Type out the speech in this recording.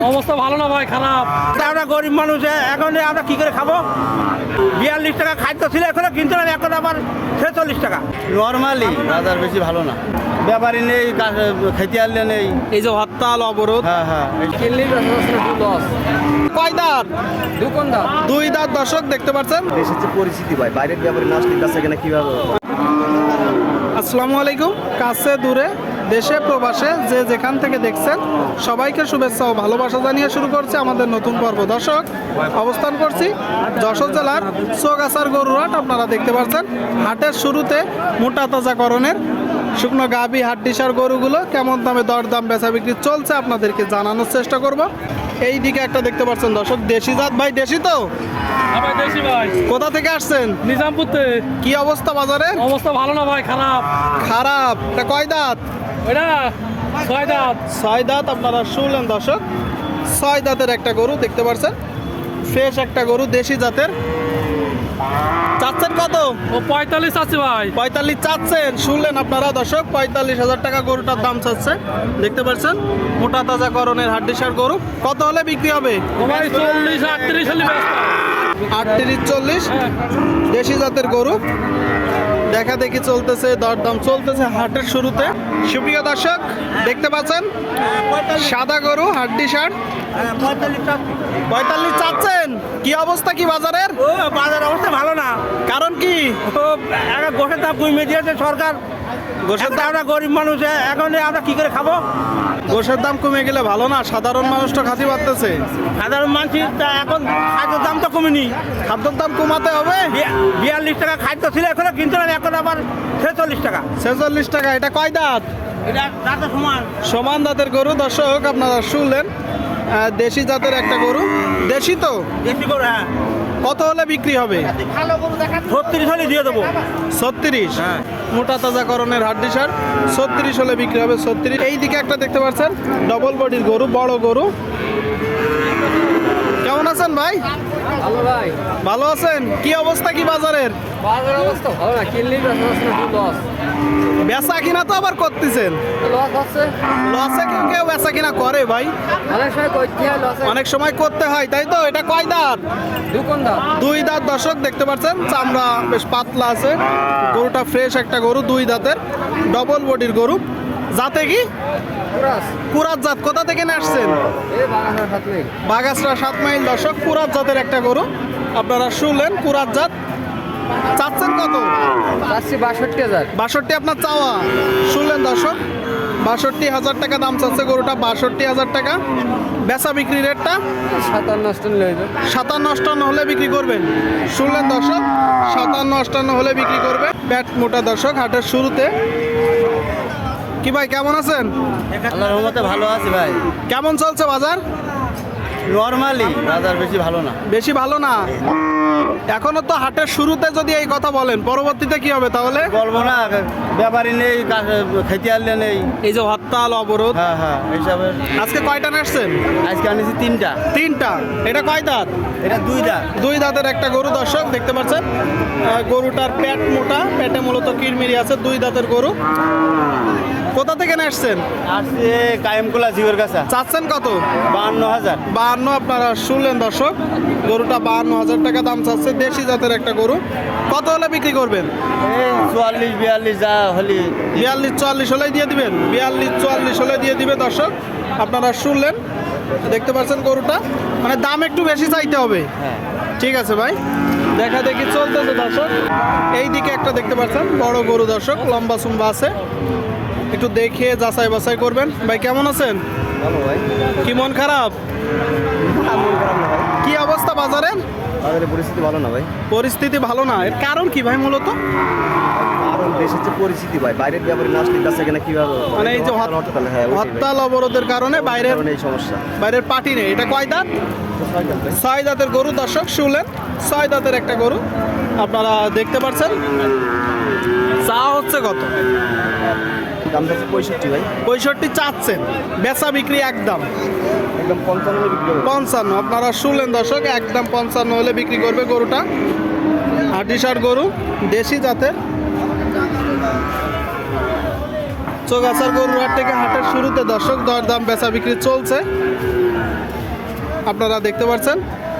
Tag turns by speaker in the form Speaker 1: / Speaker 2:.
Speaker 1: অবস্থা ভালো না ভাই, খারাপ।
Speaker 2: আমরা গরিব মানুষ, এখন আমরা কি করে খাবো? 42 টাকা খাদ্য ছিল, এখন কিনতে হবে এখন আবার 46 টাকা।
Speaker 3: নর্মালি বাজার বেশি ভালো না, ব্যাপারী নেই, খেতে আনলে নেই।
Speaker 1: এই যে হরতাল অবরোধ,
Speaker 3: হ্যাঁ হ্যাঁ
Speaker 1: কয় দাঁত? দুই দাঁত দর্শক দেখতে পাচ্ছেন।
Speaker 3: দেশের যে পরিস্থিতি ভাই, বাইরের ব্যাপারী না আসলে কাছে এখানে কিভাবে?
Speaker 1: আসসালামু আলাইকুম। কাছে দূরে দেশে প্রবাসে যে যেখান থেকে দেখছেন সবাইকে শুভেচ্ছা ও ভালোবাসা জানিয়ে শুরু করছে আমাদের নতুন পর্ব। দর্শক, অবস্থান করছি যশোর জেলার চৌগাছার গরুরহাট। আপনারা দেখতে পাচ্ছেন হাটের শুরুতে মোটা তাজাকরণের শুকনো গাভী হাড্ডিসার গরুগুলো কেমন দামে দরদাম বেচা বিক্রি চলছে আপনাদেরকে জানানোর চেষ্টা করব। এই দিকে একটা দেখতে পাচ্ছেন দর্শক, দেশি জাত। ভাই দেশি তো?
Speaker 2: ভাই দেশি ভাই।
Speaker 1: কোথা থেকে আসছেন?
Speaker 2: নিজামপুর থেকে।
Speaker 1: কি অবস্থা বাজারে?
Speaker 2: অবস্থা ভালো না ভাই, খারাপ।
Speaker 1: খারাপ? এটা কয় দাঁত?
Speaker 2: ওইটা 6 দাঁত।
Speaker 1: 6 দাঁত। আপনারা শুনলেন দর্শক, 6 দাঁতের একটা গরু দেখতে পাচ্ছেন, ফ্রেশ একটা গরু, দেশি জাতের। চাচ্ছেন কত?
Speaker 2: ও 45 আছে ভাই।
Speaker 1: 45 চাচ্ছেন। শুনলেন আপনারা দর্শক, 45,000 টাকা গরুটার দাম চাচ্ছে। দেখতে পাচ্ছেন মোটা তাজা করণের হাড্ডিসার গরু। কত হলে বিক্রি হবে?
Speaker 2: ও ভাই 40 38 হলে ব্যস্ত।
Speaker 1: 38-40 দেশি জাতের গরু দেখা দেখি চলতেছে, দরদাম চলতেছে হাটের শুরুতে। সুপ্রিয় দর্শক, দেখতে পাচ্ছেন সাদা গরু হাড্ডিসার। 45 চাচ্ছেন। কি অবস্থা কি বাজারের?
Speaker 2: ও বাজার অবস্থা ভালো না।
Speaker 1: কারণ কি?
Speaker 2: ও একটা গোশের দাম কমিয়ে দিয়েছে সরকার।
Speaker 1: গোশের দাম,
Speaker 2: আমরা গরিব মানুষ, এখন আমরা কি করে খাবো?
Speaker 1: গোশের দাম কমে গেলে ভালো না, সাধারণ মানুষ তো খাতি পারতেছে।
Speaker 2: সাধারণ মানুষ এখন খাদ্যের দাম তো কমেনি।
Speaker 1: খাদ্যের দাম কমাতে হবে।
Speaker 2: 42 টাকা খাদ্য ছিল, এখন কিনতে হবে এখন আবার 46 টাকা।
Speaker 1: 46 টাকা। এটা কয় দাঁত?
Speaker 2: এটা দাঁতে সমান।
Speaker 1: সমান দাঁতের গরু। দর্শক আপনারা শুনলেন, দেশি জাতের একটা গরু। দেশি তো?
Speaker 2: দেশি করে, হ্যাঁ।
Speaker 1: কত হলে বিক্রি হবে?
Speaker 2: 36 হলে দিয়ে দেবো।
Speaker 1: 36?
Speaker 2: হ্যাঁ।
Speaker 1: মোটা তাজা করণের হাড্ডিসার 36 হলে বিক্রি হবে। 36। এই দিকে একটা দেখতে পাচ্ছেন ডবল বডির গরু, বড় গরু। কেমন আছেন ভাই?
Speaker 4: ভালো ভাই।
Speaker 1: ভালো আছেন? কি অবস্থা কি বাজারের?
Speaker 4: বাজার অবস্থা ভালো না, কিনলেই লস।
Speaker 1: বেচা কিনা তো আবার করতেছেন।
Speaker 4: লস হচ্ছে,
Speaker 1: লসে কেউ কেউ বেচা কিনা করে ভাই,
Speaker 4: অনেক সময় করতে হয় লস।
Speaker 1: অনেক সময় করতে হয়, তাই তো? এটা কয় দাঁত?
Speaker 4: দোকানদার
Speaker 1: দুই দাঁত। দর্শক দেখতে পাচ্ছেন, চামড়া বেশ পাতলা আছে। গরুটা ফ্রেশ একটা গরু, দুই দাঁতের ডবল বডির গরু। জাতে কি?
Speaker 4: পুরাস
Speaker 1: কুরাত জাত। কোথা থেকে নিয়ে আসছেন?
Speaker 4: এই বাগানের সাথে
Speaker 1: বাগাসরা 7 মাইল। দর্শক, কুরাত জাতের একটা গরু আপনারা শুনলেন, কুরাত জাত। চাচ্ছেন কত?
Speaker 4: চাচ্ছি 62,000।
Speaker 1: 62 আপনার চাওয়া। শুনলেন দর্শক, 62,000 টাকা দাম চাচ্ছে গরুটা। 62,000 টাকা। বেচা বিক্রি রেটটা
Speaker 4: 57 লইবে।
Speaker 1: 57-58 হলে বিক্রি করবেন। শুনলেন দর্শক, 57-58 হলে বিক্রি করবে। প্যাট মোটা। দর্শক, হাটের শুরুতে। কি ভাই কেমন আছেন?
Speaker 3: আল্লাহর রহমতে ভালো আছি ভাই।
Speaker 1: কেমন চলছে বাজার?
Speaker 3: নর্মালি বাজার বেশি ভালো না।
Speaker 1: বেশি ভালো না? এখনো তো হাটের শুরুতে যদি এই কথা বলেন, পরবর্তীতে কি হবে তাহলে?
Speaker 3: বলবো না, ব্যাপারী নেই, খেতে আনলে নেই।
Speaker 1: এই যে হরতাল অবরোধ,
Speaker 3: হ্যাঁ হ্যাঁ এইসবে।
Speaker 1: আজকে কয়টা নাচছেন?
Speaker 3: আজকে আনিছি 3টা।
Speaker 1: 3টা। এটা কয় দাঁত?
Speaker 3: এটা 2 দাঁত।
Speaker 1: দুই দাঁতের একটা গরু। দর্শক দেখতে পাচ্ছেন, গরুটার পেট মোটা, পেটে মূলত কিরমিরি আছে। দুই দাঁতের গরু। কোথা থেকে আসছেন?
Speaker 3: আসছে কায়েমকুলা জিওর কাছে।
Speaker 1: চাচ্ছেন কত?
Speaker 3: 52,000।
Speaker 1: 52। আপনারা শুনলেন দর্শক, গরুটা 52,000 টাকা দাম চাচ্ছে। দেশি জাতের একটা গরু। কত হলে বিক্রি করবেন?
Speaker 3: এই 44-42 যা হলি।
Speaker 1: 42-44 হলে দিয়ে দিবেন? 42-44 হলে দিয়ে দিবে। দর্শক আপনারা শুনলেন, দেখতে পাচ্ছেন গরুটা, মানে দাম একটু বেশি চাইতে হবে।
Speaker 3: হ্যাঁ।
Speaker 1: ঠিক আছে ভাই, দেখা দেখি চলতেছে দর্শক। এই দিকে একটা দেখতে পাচ্ছেন বড় গরু। দর্শক লম্বা চুম্বা আছে, একটু দেখে যাচাই বাছাই করবেন। ভাই কেমন আছেন?
Speaker 3: ভালো ভাই।
Speaker 1: কি মন খারাপ?
Speaker 3: মন খারাপ না ভাই,
Speaker 1: কি অবস্থা বাজারের?
Speaker 3: বাজারের পরিস্থিতি ভালো না ভাই।
Speaker 1: পরিস্থিতি ভালো না? এর কারণ কি ভাই মূলত?
Speaker 3: কারণ দেশের যে পরিস্থিতি ভাই, বাইরের ব্যাপারী না আসলে কাছে এখানে কিভাবে?
Speaker 1: মানে এই যে হরতাল অবরোধের কারণে বাইরের
Speaker 3: এই সমস্যা।
Speaker 1: বাইরের পার্টি নেই। এটা কয় দাঁত? 6 দাঁতের গরু। দর্শক শুনলেন, 6 দাঁতের একটা গরু আপনারা দেখতে পাচ্ছেন। চা হচ্ছে কত?
Speaker 3: দাম যাচ্ছে 65 ভাই।
Speaker 1: 65 চাচ্ছেন। বেচা বিক্রি একদম
Speaker 3: একদম 55 বিক্রি করবে।
Speaker 1: 55। আপনারা শুনলেন দর্শক, একদম 55 হলে বিক্রি করবে গরুটা। হাড্ডিসার গরু, দেশি জাতের। চৌগাছার গরুর হাট থেকে হাটের শুরুতে দর্শক দরদাম বেচা বিক্রি চলছে। আপনারা দেখতে পাচ্ছেন